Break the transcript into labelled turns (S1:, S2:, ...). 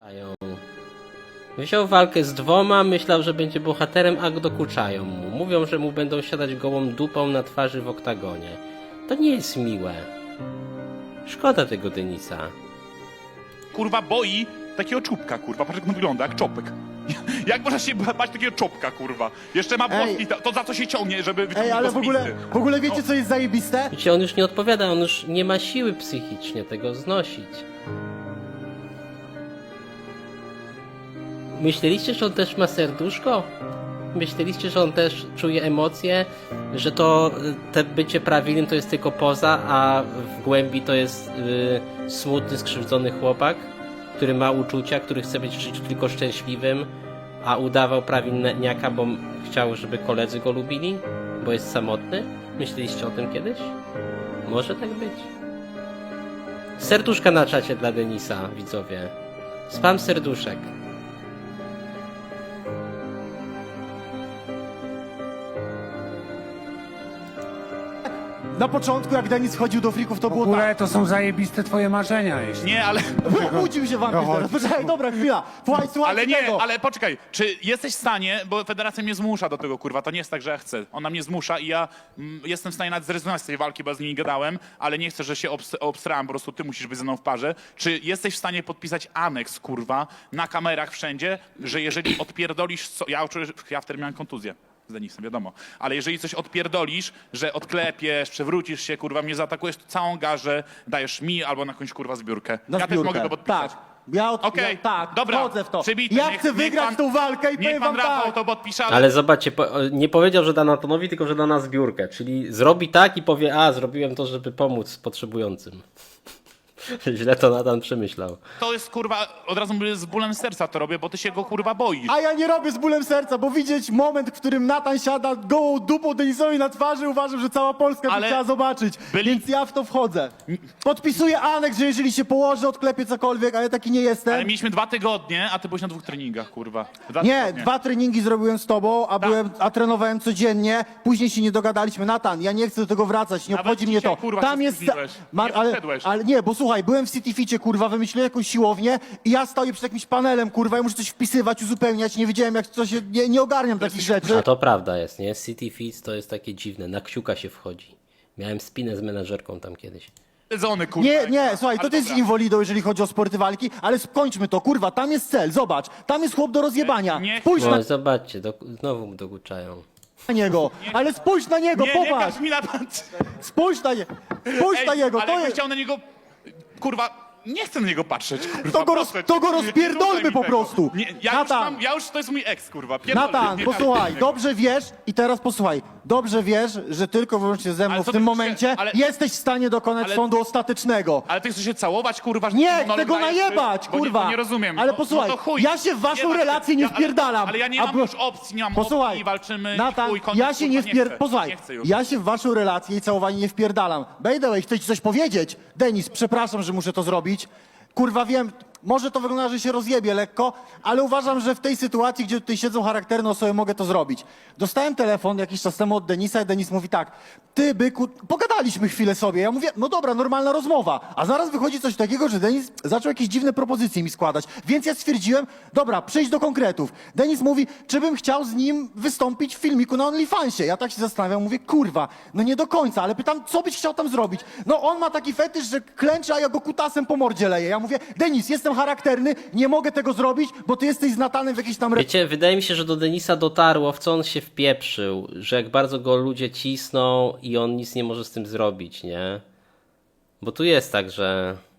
S1: Wziął walkę z dwoma, myślał, że będzie bohaterem, a dokuczają mu. Mówią, że mu będą siadać gołą dupą na twarzy w oktagonie. To nie jest miłe. Szkoda tego Denisa.
S2: Kurwa boi takiego czubka, kurwa. Patrz jak on wygląda, jak czopek. Jak można się bać takiego czopka, kurwa? Jeszcze ma włoski, to za co się ciągnie, żeby wyciągnąć
S3: ale
S2: go z
S3: w ogóle wiecie, co jest zajebiste?
S1: Wiecie, on już nie odpowiada, on już nie ma siły psychicznie tego znosić. Myśleliście, że on też ma serduszko? Myśleliście, że on też czuje emocje? Że to te bycie prawilnym to jest tylko poza, a w głębi to jest smutny, skrzywdzony chłopak, który ma uczucia, który chce być w życiu tylko szczęśliwym, a udawał prawilniaka, bo chciał, żeby koledzy go lubili? Bo jest samotny? Myśleliście o tym kiedyś? Może tak być. Serduszka na czacie dla Denisa, widzowie. Spam serduszek.
S3: Na początku, jak Denis wchodził do frików, to
S4: W
S3: było tak.
S4: ogóle to są zajebiste twoje marzenia, jeśli...
S2: Nie, ale...
S3: Obudził się wampir teraz. Poczekaj, dobra, chwila. Słuchaj
S2: Ale nie,
S3: tego.
S2: ale poczekaj, czy jesteś w stanie, bo federacja mnie zmusza do tego, kurwa, to nie jest tak, że ja chcę. Ona mnie zmusza i ja jestem w stanie nawet zrezygnować z tej walki, bo ja z nimi gadałem, ale nie chcę, że się obstrałem, po prostu ty musisz być ze mną w parze. Czy jesteś w stanie podpisać aneks, kurwa, na kamerach wszędzie, że jeżeli odpierdolisz, ja wtedy miałem kontuzję z Denisem, wiadomo, ale jeżeli coś odpierdolisz, że odklepiesz, przewrócisz się, kurwa, mnie zaatakujesz, to całą garzę dajesz mi albo na jakąś, kurwa, zbiórkę.
S3: Na
S2: Ja
S3: zbiórkę.
S2: też mogę to podpisać.
S3: Tak.
S2: Okej,
S3: tak,
S2: dobra,
S3: wchodzę w to.
S2: przybite.
S3: Ja
S2: Niech
S3: chcę wygrać
S2: pan-
S3: tą walkę i
S2: Niech
S3: powiem
S2: pan
S3: wam
S2: Rafał
S3: tak.
S2: to podpisze,
S1: Ale zobaczcie, nie powiedział, że da Natanowi, tylko że da na zbiórkę. Czyli zrobi tak i powie, a zrobiłem to, żeby pomóc potrzebującym. Źle to Natan przemyślał.
S2: to jest, kurwa, od razu mówię, z bólem serca to robię, bo ty się go, kurwa, boisz.
S3: A ja nie robię z bólem serca, bo widzieć moment, w którym Natan siada gołą dupą Denisowi na twarzy, uważam, że cała Polska by
S2: Ale
S3: chciała zobaczyć.
S2: byli-
S3: Więc ja w to wchodzę. Podpisuję aneks, że jeżeli się położę, odklepię cokolwiek, ale taki nie jestem.
S2: Ale mieliśmy 2 tygodnie, a ty byłeś na 2 treningach, kurwa.
S3: Nie,
S2: tygodnie.
S3: 2 treningi zrobiłem z tobą, a trenowałem codziennie. Później się nie dogadaliśmy. Natan, ja nie chcę do tego wracać, nie
S2: Nawet
S3: obchodzi mnie
S2: dzisiaj,
S3: to.
S2: kurwa,
S3: Tam
S2: się
S3: jest.
S2: spóźniłeś. Nie podszedłeś.
S3: Ale nie, bo słuchaj, byłem w City Ficie, kurwa, wymyśliłem jakąś siłownię i ja stoję przed jakimś panelem, kurwa, i muszę coś wpisywać, uzupełniać. Nie wiedziałem, jak coś. Nie ogarniam takich rzeczy.
S1: A to prawda jest, nie? City Feeds to jest takie dziwne, na kciuka się wchodzi. Miałem spinę z menadżerką tam kiedyś.
S2: Sezony, kurwa.
S3: Nie, słuchaj,
S2: Ale
S3: to jest
S2: dobra.
S3: inwalidą, jeżeli chodzi o sporty walki, ale skończmy to, kurwa, tam jest cel, zobacz, tam jest chłop do rozjebania.
S2: Nie-
S3: Spójrz
S1: No zobaczcie, znowu mu dokuczają.
S3: na niego, ale spójrz na niego,
S2: Nie
S3: popatrz,
S2: każ mi na...
S3: spójrz na niego, spójrz na niego,
S2: ale
S3: to
S2: jakbym
S3: jest...
S2: chciał na niego... Kurwa, nie chcę na niego patrzeć, kurwa. proszę
S3: To
S2: cię.
S3: go
S2: Nie
S3: rozpierdolmy
S2: rzucaj mi
S3: po
S2: tego.
S3: prostu.
S2: Nie,
S3: Natan.
S2: ja już, to jest mój ex, kurwa. Pierdolę,
S3: Natan,
S2: nie
S3: posłuchaj,
S2: każdy innego.
S3: dobrze wiesz i teraz posłuchaj, dobrze wiesz, że tylko wyłącznie ze mną
S2: Ale
S3: w
S2: co
S3: tym
S2: ty
S3: momencie
S2: chcesz- ale-
S3: jesteś w stanie dokonać
S2: ale-
S3: sądu ostatecznego.
S2: Ale ty chcesz się całować, kurwa? że
S3: Nie,
S2: monolog
S3: chcę go
S2: dajesz,
S3: najebać,
S2: bo
S3: kurwa.
S2: Nie rozumiem.
S3: Ale
S2: No-
S3: posłuchaj,
S2: no to chuj.
S3: ja się w waszą
S2: ma się-
S3: relację nie wpierdalam.
S2: Ale ja nie
S3: A
S2: mam
S3: bo-
S2: już opcji, nie mam
S3: Posłuchaj,
S2: opcji, walczymy.
S3: Natan,
S2: chuj, koniec,
S3: ja się nie
S2: kurwa, chcę.
S3: Posłuchaj,
S2: Nie chcę już.
S3: ja się w waszą relację i całowanie nie wpierdalam. By the way, chcę ci coś powiedzieć. Denis, przepraszam, że muszę to zrobić. Kurwa, wiem, może to wygląda, że się rozjebie lekko, ale uważam, że w tej sytuacji, gdzie tutaj siedzą charakterne osoby, mogę to zrobić. Dostałem telefon jakiś czas temu od Denisa i Denis mówi tak, ty byku, pogadaliśmy chwilę sobie. Ja mówię, no dobra, normalna rozmowa. A zaraz wychodzi coś takiego, że Denis zaczął jakieś dziwne propozycje mi składać. Więc ja stwierdziłem, dobra, przejdź do konkretów. Denis mówi, czy bym chciał z nim wystąpić w filmiku na OnlyFansie. Ja tak się zastanawiam, mówię, kurwa, no nie do końca, ale pytam, co byś chciał tam zrobić? No on ma taki fetysz, że klęczy, a ja go kutasem po mordzie leję. Ja mówię, Denis, jestem charakterny, nie mogę tego zrobić, bo ty jesteś z Natanem w jakiejś tam...
S1: Wiecie, wydaje mi się, że do Denisa dotarło, w co on się wpieprzył, że jak bardzo go ludzie cisną i on nic nie może z tym zrobić, nie? Bo tu jest tak, że